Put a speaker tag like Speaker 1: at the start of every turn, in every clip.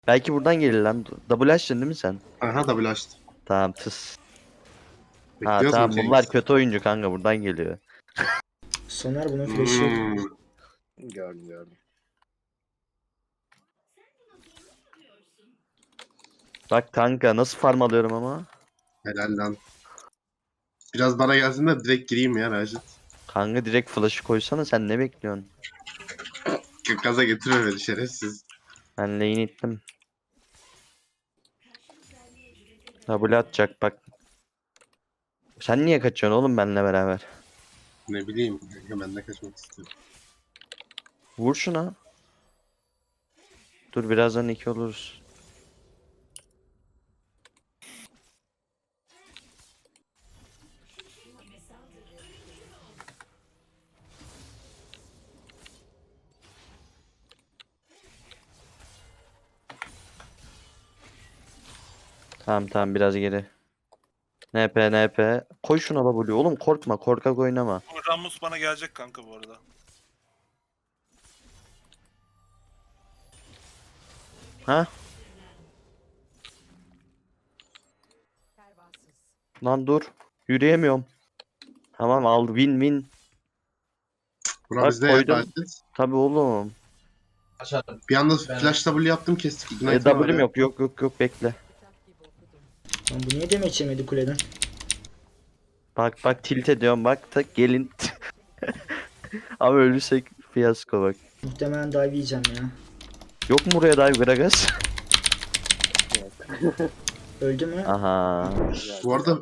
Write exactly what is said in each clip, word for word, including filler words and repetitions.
Speaker 1: Belki buradan gelir lan. Double açtın değil mi sen?
Speaker 2: Aha double açtım.
Speaker 1: Tamam tıs. Ha
Speaker 2: Bekliyoruz mu
Speaker 1: tamam bunlar
Speaker 2: Cengiz?
Speaker 1: kötü oyuncu kanka buradan geliyor.
Speaker 3: Soner bunun flash'ı yok.
Speaker 2: Hmm.
Speaker 4: Gördüm gördüm.
Speaker 1: Bak kanka nasıl farm alıyorum ama.
Speaker 2: Helal lan. Biraz bana gelsin de direkt gireyim ya Rajit.
Speaker 1: Kanka direkt flash'ı koysana sen ne bekliyorsun?
Speaker 2: Gaza getirme beni şerefsiz.
Speaker 1: Ben lane ittim. Double atacak bak. Sen niye kaçıyorsun oğlum benimle beraber?
Speaker 2: Ne bileyim. Hemen de kaçmak istiyorum.
Speaker 1: Vur şuna. Dur birazdan iki oluruz. Tamam tamam biraz geri. N P N P. Koy şuna W. Oğlum korkma korkak oynama.
Speaker 5: O Ramus bana gelecek kanka bu arada.
Speaker 1: Ha? Lan dur. Yürüyemiyorum. Tamam aldı win win.
Speaker 2: Bura
Speaker 1: Bak,
Speaker 2: bizde ya
Speaker 1: koydum.
Speaker 2: Rajit.
Speaker 1: Tabii oğlum.
Speaker 2: Bir anda flash W yaptım kestik.
Speaker 1: E,
Speaker 2: Ignite'ım var
Speaker 1: W'm
Speaker 2: ya.
Speaker 1: yok yok yok yok bekle.
Speaker 3: Lan bu niye demeç yemedi kuleden?
Speaker 1: Bak bak tilt ediyorum bak tak gelin. Ama ölürsek fiyasko bak.
Speaker 3: Muhtemelen dive yiyeceğim ya.
Speaker 1: Yok mu buraya dive Gragas?
Speaker 3: Öldü mü?
Speaker 1: Aha.
Speaker 2: Bu arada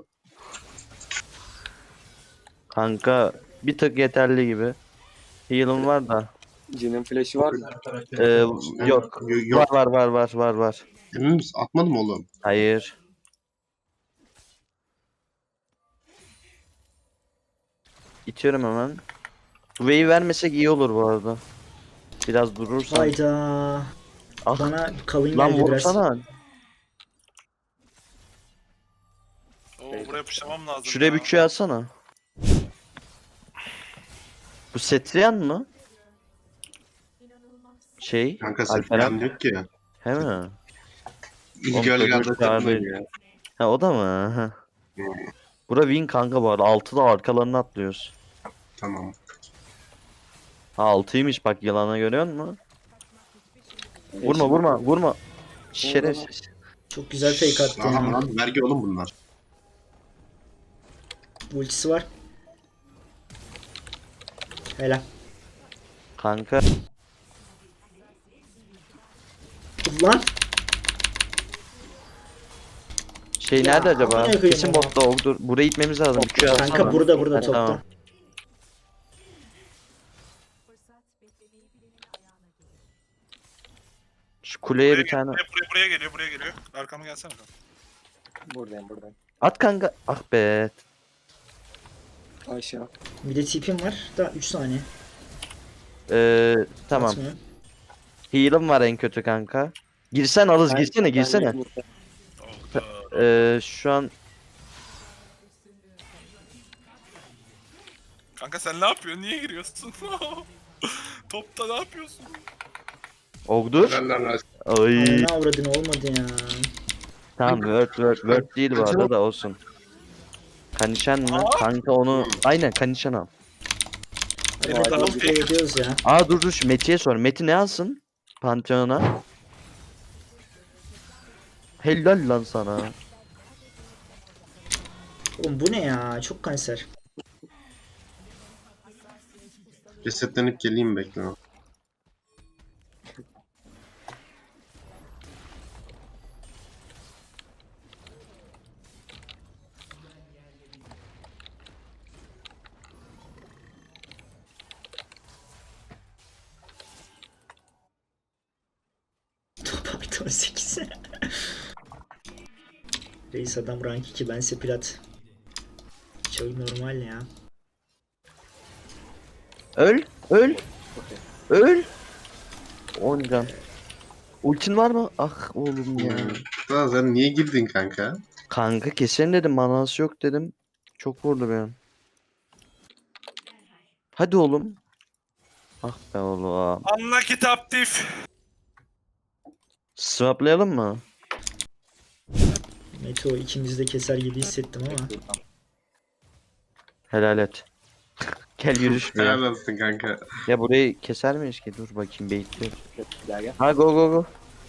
Speaker 1: Kanka bir tık yeterli gibi. Heal'ım var da.
Speaker 4: Jin'in flash'ı var mı?
Speaker 1: Ee, yok.
Speaker 2: Yo- yok.
Speaker 1: Var var var var var var.
Speaker 2: Emin misin? Atmadım oğlum.
Speaker 1: Hayır. İtiyorum hemen. Bu wave'i vermesek iyi olur bu arada. Biraz durursan.
Speaker 3: Hayda.
Speaker 1: Ah
Speaker 3: Bana kavun
Speaker 1: lan
Speaker 3: geldi biraz.
Speaker 1: vursana.
Speaker 5: Oo buraya puşlamam lazım
Speaker 1: Şuraya
Speaker 5: ya.
Speaker 1: bir Q atsana. Bu Setriyan mı? Şey.
Speaker 2: Kanka
Speaker 1: Alperen.
Speaker 2: Sepyan yok ki.
Speaker 1: He mi?
Speaker 2: İlk
Speaker 1: Oğlum,
Speaker 2: gölgelerde
Speaker 1: çocuk
Speaker 2: takım
Speaker 1: çağırdı.
Speaker 2: ya.
Speaker 1: Ha o da mı? Ha. Bura win kanka bu arada. altıda arkalarına atlıyoruz.
Speaker 2: Tamam.
Speaker 1: Ha altıymış bak yılana görüyor musun? Vurma vurma vurma. Şerefsiz.
Speaker 3: Çok güzel fake attı
Speaker 2: Aha
Speaker 3: ya.
Speaker 2: lan vergi oğlum bunlar.
Speaker 3: Ultisi var. Helal.
Speaker 1: Kanka.
Speaker 3: Lan
Speaker 1: Şey
Speaker 3: Ya,
Speaker 1: nerede acaba?
Speaker 3: amına koyayım
Speaker 1: Kesin
Speaker 3: ama.
Speaker 1: botta oldu. Buraya gitmemiz lazım. Q atsana.
Speaker 3: kanka burada burada
Speaker 1: Ha,
Speaker 3: topta.
Speaker 1: tamam. Şu kuleye
Speaker 5: Buraya,
Speaker 1: bir tane.
Speaker 5: buraya, buraya, buraya geliyor, buraya geliyor. Arkama gelsene kanka.
Speaker 4: Buradayım buradayım.
Speaker 1: At kanka. Ah be.
Speaker 4: Aşağı.
Speaker 3: Bir de tipim var. Daha üç saniye.
Speaker 1: Ee, tamam.
Speaker 3: Atmıyor.
Speaker 1: Heal'ım var en kötü kanka. Girsen alız
Speaker 4: Ben-
Speaker 1: girsene
Speaker 4: ben
Speaker 1: girsene.
Speaker 4: burada.
Speaker 5: Oldu.
Speaker 1: Ee, şu an
Speaker 5: Kanka sen ne yapıyorsun? Niye giriyorsun? Topta ne yapıyorsun?
Speaker 1: Ogdur.
Speaker 2: Helal lan Rajit.
Speaker 1: Ay.
Speaker 3: Ananı avradın olmadı ya.
Speaker 1: Tamam word word word değil bu arada da olsun. Kanişan mı? Kanka onu aynen kanişan al.
Speaker 3: Hadi
Speaker 5: Evet,
Speaker 3: hadi
Speaker 5: tamam,
Speaker 3: hadi
Speaker 5: peki.
Speaker 3: ediyoruz ya.
Speaker 1: Aa dur dur şu Meti'ye sor. Meti ne alsın? Pantheon'a. Helal lan sana.
Speaker 3: Oğlum bu ne ya? Çok kanser.
Speaker 2: Resetlenip geleyim bekle.
Speaker 3: Top artı on sekiz. Reis adam rank iki bense plat. Çok normal ya.
Speaker 1: Öl. Öl. Öl. on can. Ultin var mı? Ah oğlum ya.
Speaker 2: Daha sen niye girdin kanka?
Speaker 1: Kanka keserim dedim. Manası yok dedim. Çok vurdu benim. Hadi oğlum. Ah be oğlum.
Speaker 5: Anla kitap dif.
Speaker 1: Swaplayalım mı?
Speaker 3: Meto ikimiz de keser gibi hissettim ama.
Speaker 1: Helal et. Gel yürüyüş bir ya.
Speaker 2: Helal olsun kanka.
Speaker 1: Ya burayı keser miyiz ki? Dur bakayım bekliyorum.
Speaker 4: Gel gel.
Speaker 1: Ha go go go.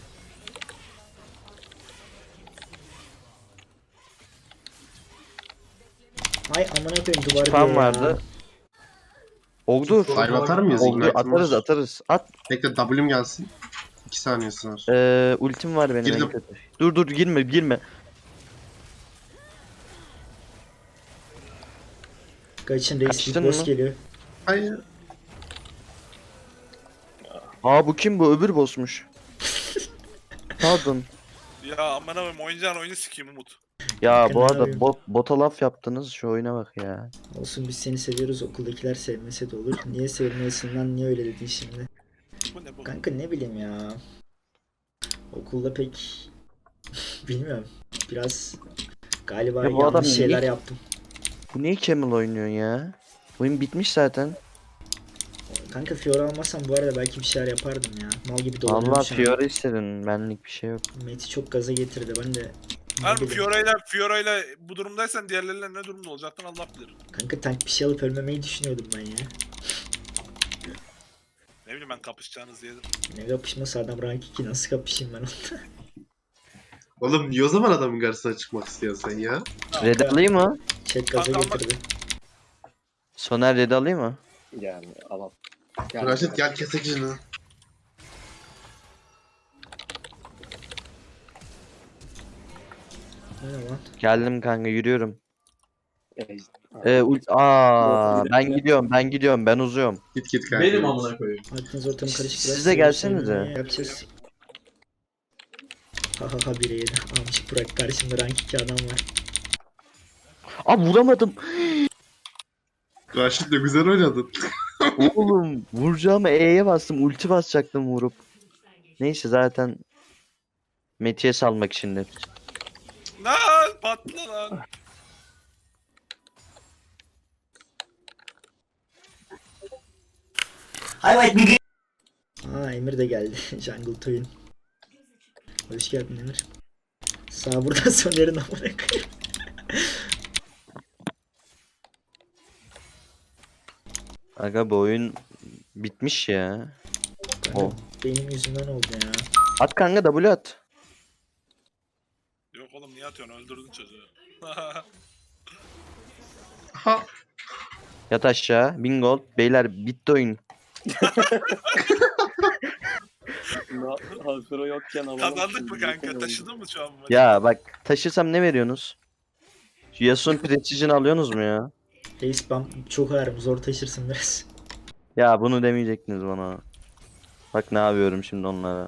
Speaker 3: Ay amına koyayım duvar
Speaker 1: Spam
Speaker 3: diyor ya.
Speaker 1: vardı. Ogdur.
Speaker 2: Dive atar mıyız?
Speaker 1: Ogdur
Speaker 2: Ignite'ım
Speaker 1: atarız
Speaker 2: var.
Speaker 1: atarız. At.
Speaker 2: Bekle W'm gelsin. iki saniyesi var.
Speaker 1: Ee, ultim var benim en
Speaker 2: Girdim.
Speaker 1: kötü. Dur dur girme girme.
Speaker 3: Kaçın reis
Speaker 1: Kaçtın
Speaker 3: Big Boss
Speaker 1: mı?
Speaker 3: geliyor.
Speaker 2: Hayır.
Speaker 1: Aa bu kim bu? Öbür bossmuş. Pardon.
Speaker 5: Ya aman abim oynayacağın oyunu sikeyim Umut.
Speaker 1: Ya bu
Speaker 3: Ne
Speaker 1: arada
Speaker 3: yapayım?
Speaker 1: bot, bota laf yaptınız. Şu oyuna bak ya.
Speaker 3: Olsun biz seni seviyoruz okuldakiler sevmese de olur. Niye sevmiyorsun lan niye öyle dedin şimdi?
Speaker 5: Bu ne bu?
Speaker 3: Kanka ne bileyim ya. Okulda pek bilmiyorum. Biraz galiba
Speaker 1: Ya bu
Speaker 3: yanlış
Speaker 1: adam
Speaker 3: şeyler
Speaker 1: niye-
Speaker 3: yaptım.
Speaker 1: Bu niye Camel oynuyor ya? Oyun bitmiş zaten.
Speaker 3: Kanka Fiora almasam bu arada belki bir şeyler yapardım ya. Mal gibi dolanıyorum
Speaker 1: Allah
Speaker 3: şu an.
Speaker 1: Fiora istedin. Benlik bir şey yok.
Speaker 3: Meti çok gaza getirdi ben de. ne
Speaker 5: Harbi
Speaker 3: bileyim.
Speaker 5: Fiora'yla Fiora'yla bu durumdaysan diğerleriyle ne durumda olacaktın Allah bilir.
Speaker 3: Kanka tank bir şey alıp ölmemeyi düşünüyordum ben ya.
Speaker 5: Ne bileyim ben kapışacağınız diye.
Speaker 3: Ne kapışması adam rank iki nasıl kapışayım ben onunla?
Speaker 2: Oğlum niye o zaman adamın karşısına çıkmak istiyorsun sen ya?
Speaker 1: Red alayım mı?
Speaker 3: Chat gaza
Speaker 5: Kanka
Speaker 3: getirdi.
Speaker 1: Soner red alayım mı?
Speaker 4: Yani alalım. Gel,
Speaker 2: Raşit gel kesek şunu.
Speaker 3: Ne lan?
Speaker 1: Geldim kanka yürüyorum.
Speaker 4: Ej-
Speaker 1: Ee, ult Aa,
Speaker 4: Yok, bir
Speaker 1: ben
Speaker 4: dakika.
Speaker 1: gidiyorum ben gidiyorum ben uzuyorum.
Speaker 2: Git git kanka.
Speaker 6: Benim amına koyayım.
Speaker 3: Aklınız ortamı karışık biraz.
Speaker 1: Siz de gelsenize.
Speaker 3: Sevgili Yapacağız. Ha ha ha bire yedi. Almış bırak karşımda rank iki adam var.
Speaker 1: Aa vuramadım.
Speaker 2: Raşit de güzel oynadın.
Speaker 1: Oğlum vuracağımı E'ye bastım. Ulti basacaktım vurup. Neyse zaten Metiye salmak için de.
Speaker 5: Lan patla lan.
Speaker 3: Aa Emir de geldi. Jungle Toy'un. Hoş geldin Emir. Sağ buradan Soner'in amına koyayım.
Speaker 1: Aga bu oyun bitmiş ya.
Speaker 3: Kanka,
Speaker 1: O.
Speaker 3: benim yüzümden oldu ya.
Speaker 1: At kanka W at.
Speaker 5: Yok oğlum niye atıyorsun öldürdün çocuğu.
Speaker 2: Ha.
Speaker 1: Yat aşağı. Bingo. Beyler bitti oyun.
Speaker 4: Na- Hazır o yokken alalım.
Speaker 5: Kazandık
Speaker 4: şimdi,
Speaker 5: mı kanka?
Speaker 4: yokken
Speaker 5: Taşıdın mı şu an bu maçı?
Speaker 1: Ya bak taşırsam ne veriyorsunuz? Şu Yasuo'nun Precision alıyorsunuz mu ya?
Speaker 3: Reis ben çok ağırım zor taşırsın biraz.
Speaker 1: Ya bunu demeyecektiniz bana. Bak ne yapıyorum şimdi onlara.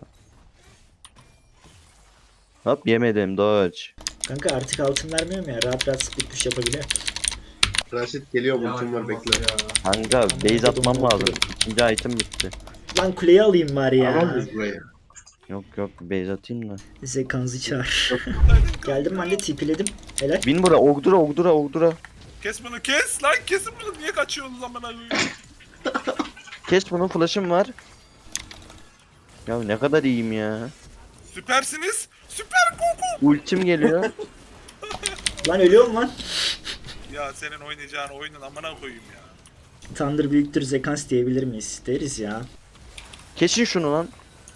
Speaker 1: Hop yemedim dodge.
Speaker 3: Kanka artık altın vermiyorum ya rahat rahat split push yapabiliyor.
Speaker 2: Raşit geliyor ultim var bekle.
Speaker 1: Kanka base atmam lazım. İkinci item bitti.
Speaker 3: Lan kuleyi alayım bari ya.
Speaker 2: Alamayız burayı.
Speaker 1: Yok yok base atayım da.
Speaker 3: Zekanızı çağır. Geldim ben de tipiledim. Helal.
Speaker 1: Bin bura ogdura ogdura ogdura.
Speaker 5: Kes bunu kes lan kesin bunu niye kaçıyorsunuz amına koyayım?
Speaker 1: Kes bunun flash'ım var. Ya ne kadar iyiyim ya.
Speaker 5: Süpersiniz. Süper koku.
Speaker 1: Ultim geliyor.
Speaker 3: Lan ölüyorum lan.
Speaker 5: Ya senin oynayacağın oyunun amına koyayım ya.
Speaker 3: Thunder büyüktür Zekans diyebilir miyiz? Deriz ya.
Speaker 1: Kesin şunu lan.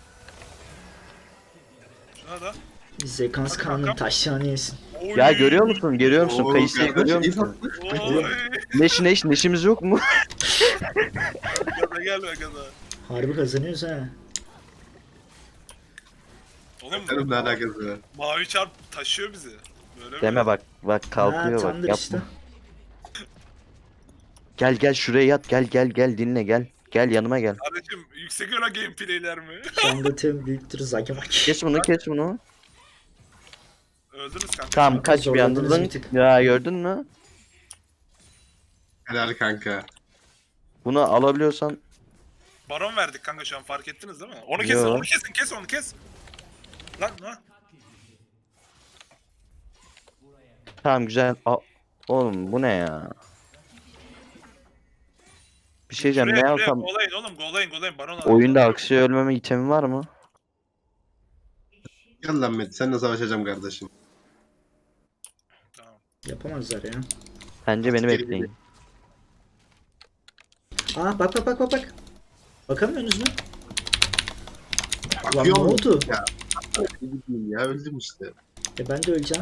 Speaker 5: Şuna da.
Speaker 3: Zekans
Speaker 5: Hadi
Speaker 3: Kaan'ın
Speaker 5: bakalım.
Speaker 3: taşlarını yesin.
Speaker 5: Oy.
Speaker 1: Ya görüyor musun? Görüyor musun?
Speaker 2: Oo,
Speaker 1: Kayısıyı
Speaker 2: kardeş,
Speaker 1: görüyor
Speaker 2: iyi
Speaker 1: musun?
Speaker 5: Oy.
Speaker 1: Neş neş neşimiz yok mu?
Speaker 5: Gaza gelme gaza.
Speaker 3: Harbi kazanıyoruz ha.
Speaker 5: Oğlum
Speaker 2: Benim ne alakası var?
Speaker 5: mavi çarp taşıyor bizi. Böyle
Speaker 1: Deme
Speaker 5: mi?
Speaker 1: bak. Bak kalkıyor
Speaker 3: ha,
Speaker 1: bak.
Speaker 3: Thunder
Speaker 1: Yapma.
Speaker 3: işte.
Speaker 1: Gel gel şuraya yat. Gel gel gel dinle gel. Gel yanıma gel.
Speaker 5: Kardeşim yüksek öyle gameplayler mi?
Speaker 3: Şangatım büyüktür Zakemak.
Speaker 1: Kes bunu kes bunu.
Speaker 5: Öldünüz kanka.
Speaker 1: Tamam kaç bir
Speaker 3: Zorladınız
Speaker 1: anda.
Speaker 3: bir tık.
Speaker 1: Ya gördün mü?
Speaker 2: Helal kanka.
Speaker 1: Bunu alabiliyorsan
Speaker 5: Baron verdik kanka şu an fark ettiniz değil mi? Onu kesin
Speaker 1: Yo.
Speaker 5: onu kesin kes onu kes. Lan lan.
Speaker 1: tamam güzel. A- Oğlum bu ne ya? Bir şey diyeceğim ne
Speaker 5: Şuraya, şuraya
Speaker 1: alsam
Speaker 5: golayın oğlum golayın golayın baron alın.
Speaker 1: oyunda aksiye ölmeme itemi var mı?
Speaker 2: Gel lan Met, seninle savaşacağım kardeşim.
Speaker 5: Tamam.
Speaker 3: Yapamazlar ya.
Speaker 1: Bence beni
Speaker 2: Geri
Speaker 1: bekleyin.
Speaker 3: Aa bak bak bak bak bak. Bakamıyorsunuz mu? Lan ne
Speaker 2: Bakıyor musun?
Speaker 3: oldu?
Speaker 2: Ya, ne bileyim ya, öldüm işte.
Speaker 3: E ben de öleceğim.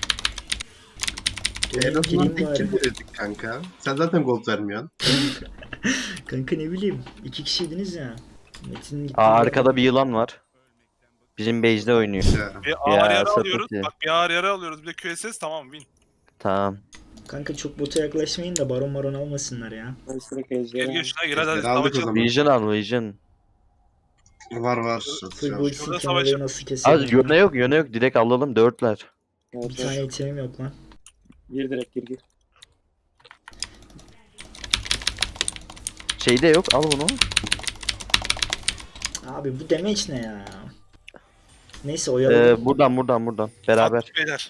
Speaker 2: En
Speaker 3: Geleyim
Speaker 2: azından
Speaker 3: gireyim
Speaker 2: tek
Speaker 3: bari.
Speaker 2: kill verirdik kanka. Sen zaten gold vermiyorsun.
Speaker 3: Kanka ne bileyim. İki kişiydiniz ya. Metin gitti.
Speaker 1: Aa arkada bir yılan var. Bizim base'de oynuyor.
Speaker 2: Ya.
Speaker 5: Bir ağır
Speaker 1: Ya,
Speaker 5: yara
Speaker 1: sapık
Speaker 5: alıyoruz.
Speaker 1: ya.
Speaker 5: Bak bir ağır yara alıyoruz. Bir de Q S S tamam win.
Speaker 1: Tamam.
Speaker 3: Kanka çok bota yaklaşmayın da baron baron almasınlar ya.
Speaker 4: Ben direkt
Speaker 5: Gir
Speaker 4: ejderi.
Speaker 5: gir şuna gir hadi hadi
Speaker 2: Ejderi aldık o
Speaker 5: savaşalım.
Speaker 2: zaman.
Speaker 1: Vision al Vision.
Speaker 2: Var var.
Speaker 3: Full bullsin
Speaker 5: Şurada
Speaker 3: kenarayı
Speaker 5: savaşın.
Speaker 3: nasıl keselim?
Speaker 1: Az yöne yok yöne yok. Direkt alalım dörtler.
Speaker 4: Evet,
Speaker 3: Bir tane
Speaker 4: evet.
Speaker 3: itemim yok lan.
Speaker 4: Gir direkt gir gir.
Speaker 1: Şeyde yok al bunu.
Speaker 3: Abi bu damage ne ya? Neyse oyalayalım.
Speaker 1: Ee, buradan buradan buradan. Beraber.
Speaker 5: At beyler.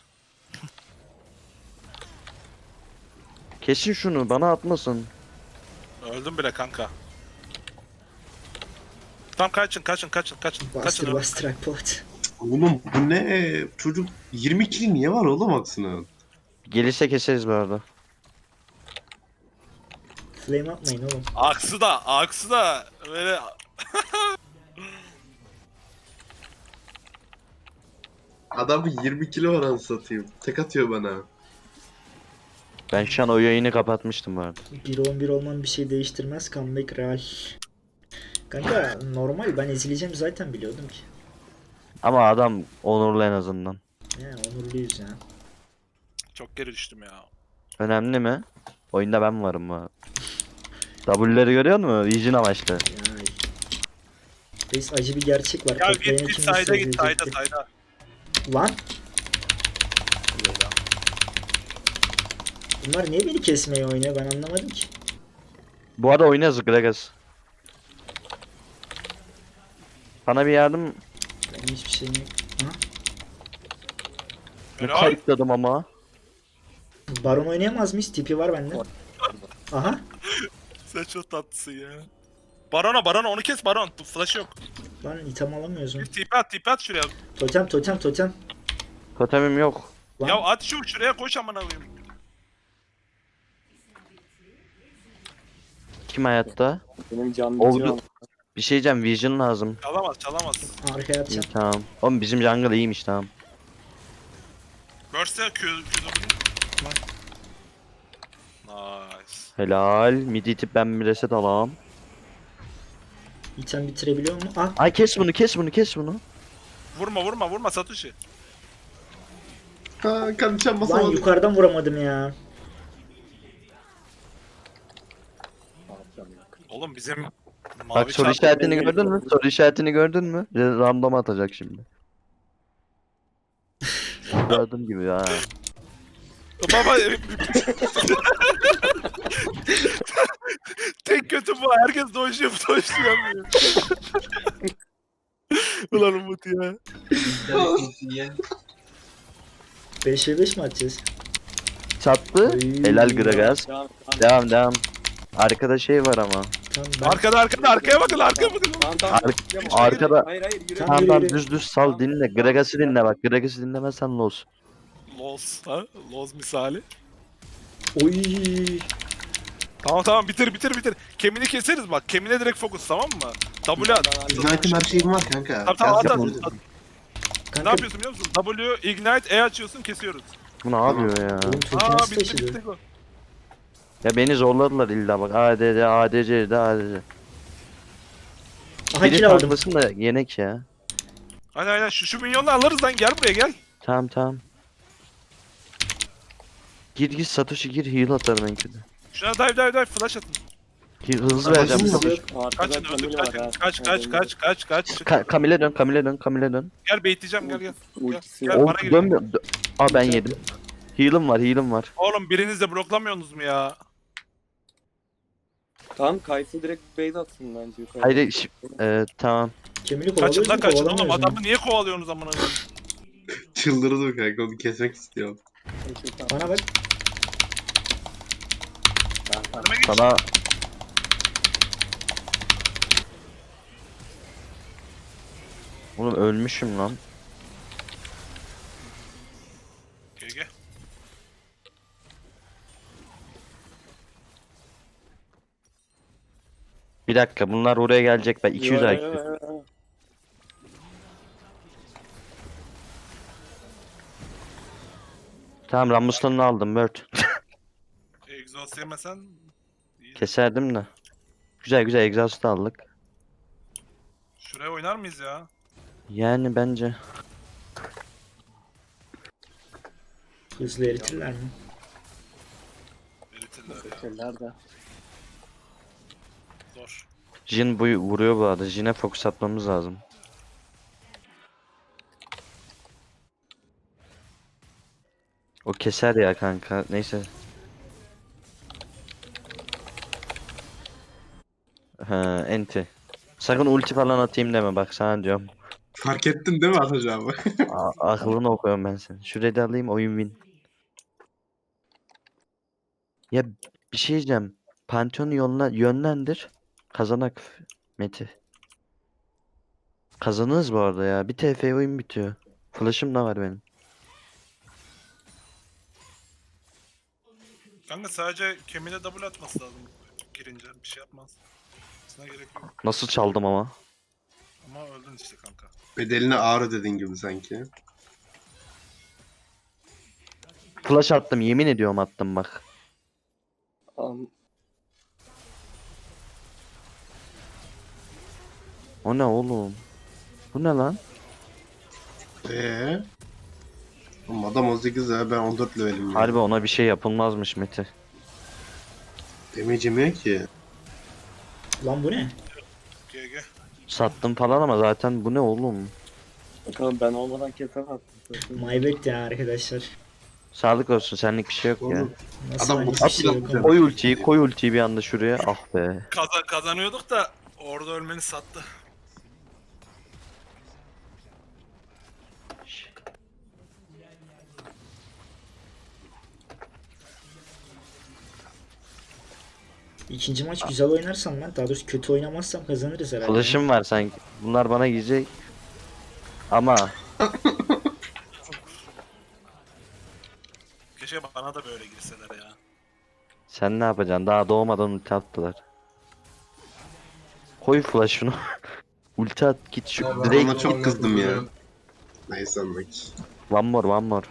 Speaker 1: Kesin şunu bana atmasın.
Speaker 5: Öldüm bile kanka. Tamam kaçın kaçın kaçın kaçın.
Speaker 3: Bastır
Speaker 5: Kaçın.
Speaker 3: bastır Akpot.
Speaker 2: Oğlum bu ne? Çocuk yirmi kill niye var oğlum aksine?
Speaker 1: Gelirse keseriz bu arada.
Speaker 3: Flame atmayın oğlum.
Speaker 5: Aksı da aksı da böyle
Speaker 2: Adamın yirmi kilo var anasını satayım. Tek atıyor bana.
Speaker 1: Ben şu an o yayını kapatmıştım bu arada.
Speaker 3: bir on bir olman bir şey değiştirmez. Comeback real. Kanka normal ben ezileceğim zaten biliyordum ki.
Speaker 1: Ama adam onurlu en azından.
Speaker 3: He onurluyuz ya.
Speaker 5: çok geri düştüm ya.
Speaker 1: Önemli mi? Oyunda ben varım bu. W'leri görüyor musun? Vision amaçlı.
Speaker 3: Ya. Reis acı bir gerçek var.
Speaker 5: Ya
Speaker 3: Toplayana
Speaker 5: git git
Speaker 3: kim
Speaker 5: sayda git sayda
Speaker 3: müsaade edecekti?
Speaker 5: sayda.
Speaker 3: Lan bunlar niye beni kesmeye oynuyor ben anlamadım ki.
Speaker 1: Bu arada oynarız Gragas. Bana bir yardım
Speaker 3: Benim hiçbir şeyim yok. Ha?
Speaker 1: ne
Speaker 5: Helal.
Speaker 1: kayıtladım ama.
Speaker 3: Baron oynayamaz mıyız? Tipi var bende. Aha.
Speaker 5: Sen çok tatlısın ya. Barona barona onu kes baron. Flash yok.
Speaker 3: Lan item alamıyoruz mu?
Speaker 5: Bir tipi at tipi at şuraya.
Speaker 3: Totem totem totem.
Speaker 1: Totemim yok.
Speaker 3: Lan.
Speaker 5: Ya at şu şuraya koş amına koyayım.
Speaker 1: Kim hayatta?
Speaker 4: Benim canım
Speaker 1: Oldu.
Speaker 4: bitiyor.
Speaker 1: Bir şey diyeceğim Vision lazım.
Speaker 5: Çalamaz çalamaz.
Speaker 3: Arkaya
Speaker 1: İyi,
Speaker 3: atacağım.
Speaker 1: tamam. Oğlum bizim jungle iyiymiş tamam.
Speaker 5: Burst'e Q Q Nice.
Speaker 1: Helal. Mid itip ben bir reset alayım.
Speaker 3: İtem bitirebiliyor mu? Ah.
Speaker 1: Ay kes bunu kes bunu kes bunu.
Speaker 5: Vurma vurma vurma Satoshi.
Speaker 2: Ha kanıçan
Speaker 3: Lan
Speaker 2: basamadım.
Speaker 3: yukarıdan vuramadım ya.
Speaker 5: Oğlum bizim mavi
Speaker 1: Bak soru
Speaker 5: çarpı-
Speaker 1: işaretini gördün mü? Soru işaretini gördün mü? Bir de random atacak şimdi. Gördüm gibi ya.
Speaker 5: Baba tek kötü bu. Herkes dojluyor dojluyor. Ulan Umut ya.
Speaker 3: beş ve beş mi atacağız?
Speaker 1: Çattı.
Speaker 3: Oy.
Speaker 1: Helal Gragas.
Speaker 4: Devam, devam.
Speaker 1: Devam devam. Arkada şey var ama.
Speaker 3: Tamam ben
Speaker 5: Arkada arkada arkaya bakın arkaya bakın.
Speaker 4: Tamam, tamam.
Speaker 1: Ar-
Speaker 4: Yürü,
Speaker 1: arkada-
Speaker 4: Hayır hayır yürü.
Speaker 3: Tamam.
Speaker 1: Tamam
Speaker 3: yürü,
Speaker 1: tamam
Speaker 3: yürü.
Speaker 1: düz düz sal dinle. Gragas'ı dinle bak. Gragas'ı dinlemezsen los.
Speaker 5: Loz ha? Loz misali.
Speaker 3: Oy.
Speaker 5: Tamam tamam bitir bitir bitir. Kemini keseriz bak. Kemine direkt fokus tamam mı? W at.
Speaker 2: Ignite'im her şeyim var kanka.
Speaker 5: Tamam tamam
Speaker 2: Gel
Speaker 5: at
Speaker 2: sen
Speaker 5: at.
Speaker 2: onu-
Speaker 5: at. Ne
Speaker 3: Kanka
Speaker 5: yapıyorsun biliyor musun? W, Ignite, E açıyorsun kesiyoruz.
Speaker 1: Bu ne yapıyor ya?
Speaker 3: oğlum totem
Speaker 5: Aa
Speaker 3: nasıl
Speaker 5: bitti
Speaker 3: taşıdı?
Speaker 5: bitti. bu.
Speaker 1: Ya beni zorladılar illa bak. A D C, A D C, A D C.
Speaker 3: Aha
Speaker 1: Biri
Speaker 3: kill aldım.
Speaker 1: tanklasın da yenek ya.
Speaker 5: Aynen aynen şu, şu minyonla alırız lan gel buraya gel.
Speaker 1: Tamam tamam. Gir gir Satoshi gir heal atarım en kötü.
Speaker 5: Şuna dive dive dive flash atın.
Speaker 1: Heal- Hızlı
Speaker 2: Tamam,
Speaker 1: vereceğim.
Speaker 2: tamam.
Speaker 1: Satoshi.
Speaker 4: Arkada
Speaker 5: Kaçın öldür
Speaker 4: Camille var
Speaker 5: kaçın.
Speaker 4: ha.
Speaker 5: Kaç kaç kaç kaç kaç.
Speaker 1: Ka Kamil'e dön, Kamil'e dön, Kamil'e dön.
Speaker 5: Gel baitleyeceğim gel gel.
Speaker 4: Ultisi
Speaker 5: Gel,
Speaker 4: yok.
Speaker 1: O
Speaker 5: bana gir.
Speaker 1: dönmüyor. Dö- Aa ben yedim. Heal'ım var, heal'ım var.
Speaker 5: Oğlum biriniz de bloklamıyorsunuz mu ya?
Speaker 4: Tamam Kayısı direkt base atsın bence yukarı.
Speaker 1: Hayır, şi- e, tamam.
Speaker 3: Kemili
Speaker 5: Kaçın
Speaker 3: kovalıyoruz
Speaker 5: lan
Speaker 3: mu
Speaker 5: kaçın oğlum
Speaker 3: kovalamıyoruz mu?
Speaker 5: adamı niye kovalıyorsunuz amına koyayım?
Speaker 2: Çıldırdım kanka, onu kesmek istiyorum.
Speaker 3: Bana bak.
Speaker 5: Önüme geç.
Speaker 1: Sana Oğlum ölmüşüm lan.
Speaker 5: G G.
Speaker 1: Bir dakika bunlar oraya gelecek ben iki yüz
Speaker 4: Yo,
Speaker 1: I
Speaker 4: yo,
Speaker 1: Q.
Speaker 4: yo, yo.
Speaker 1: Tamam Rammus'tan aldım Bird.
Speaker 5: Exhaust yemesen iyi.
Speaker 1: Keserdim de. Güzel güzel exhaust aldık.
Speaker 5: Şuraya oynar mıyız ya?
Speaker 1: Yani bence.
Speaker 3: Hızlı eritirler mi?
Speaker 5: Eritirler ya.
Speaker 4: Bekirler de.
Speaker 5: Zor.
Speaker 1: Jin bu vuruyor bu arada. Jin'e fokus atmamız lazım. O keser ya kanka. Neyse. Ha, enti. Sakın ulti falan atayım deme bak sana diyorum.
Speaker 2: Fark ettin değil mi atacağımı?
Speaker 1: A- aklını okuyorum ben senin. Şurayı da alayım oyun win. Ya bir şey diyeceğim. Pantheon'u yoluna yönlendir. Kazanak Meti. Kazanırız bu arada ya. Bir T F oyun bitiyor. Flash'ım da var benim.
Speaker 5: Kanka sadece kemine double atması lazım girince. Bir şey yapmaz. Sana gerek yok.
Speaker 1: Nasıl çaldım ama.
Speaker 5: Ama öldün işte kanka.
Speaker 2: Bedeline ağır ödedin gibi sanki.
Speaker 1: Flash attım yemin ediyorum attım bak.
Speaker 4: Am-
Speaker 1: O ne oğlum? Bu ne lan?
Speaker 2: Eee? Oğlum adam on sekiz ya ben on dört levelim ya.
Speaker 1: Harbi ona bir şey yapılmazmış Meti.
Speaker 2: Demeyeceğim ki.
Speaker 3: Lan bu ne?
Speaker 5: G G.
Speaker 1: Sattım falan ama zaten bu ne oğlum?
Speaker 4: Bakalım ben olmadan kesemezsin.
Speaker 3: My bad ya arkadaşlar.
Speaker 1: Sağlık olsun senlik bir şey yok ya.
Speaker 2: Oğlum,
Speaker 3: Nasıl
Speaker 2: Adam
Speaker 3: hani
Speaker 2: bu
Speaker 3: bir şey yok
Speaker 2: atıyor.
Speaker 3: ama.
Speaker 1: Koy ultiyi koy ultiyi bir anda şuraya. Ah be.
Speaker 5: Kaza kazanıyorduk da orada ölmeni sattı.
Speaker 3: İkinci maç güzel oynarsam ben, daha doğrusu kötü oynamazsam kazanırız herhalde.
Speaker 1: Flash'ım var sanki. Bunlar bana gidecek. Ama
Speaker 5: Keşke bana da böyle girseler ya.
Speaker 1: sen ne yapacaksın? Daha doğmadan ulti attılar. Koy flash'ını. Ulti at git şu
Speaker 2: Ben ona
Speaker 1: direkt.
Speaker 2: çok kızdım ya. Neyse anlık.
Speaker 1: One more one more.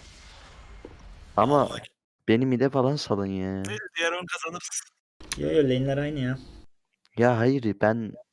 Speaker 1: Ama beni mide falan salın ya.
Speaker 5: Neyse diğer oyun kazanırız.
Speaker 3: Yo yo lane'ler aynı ya.
Speaker 1: Ya hayır ben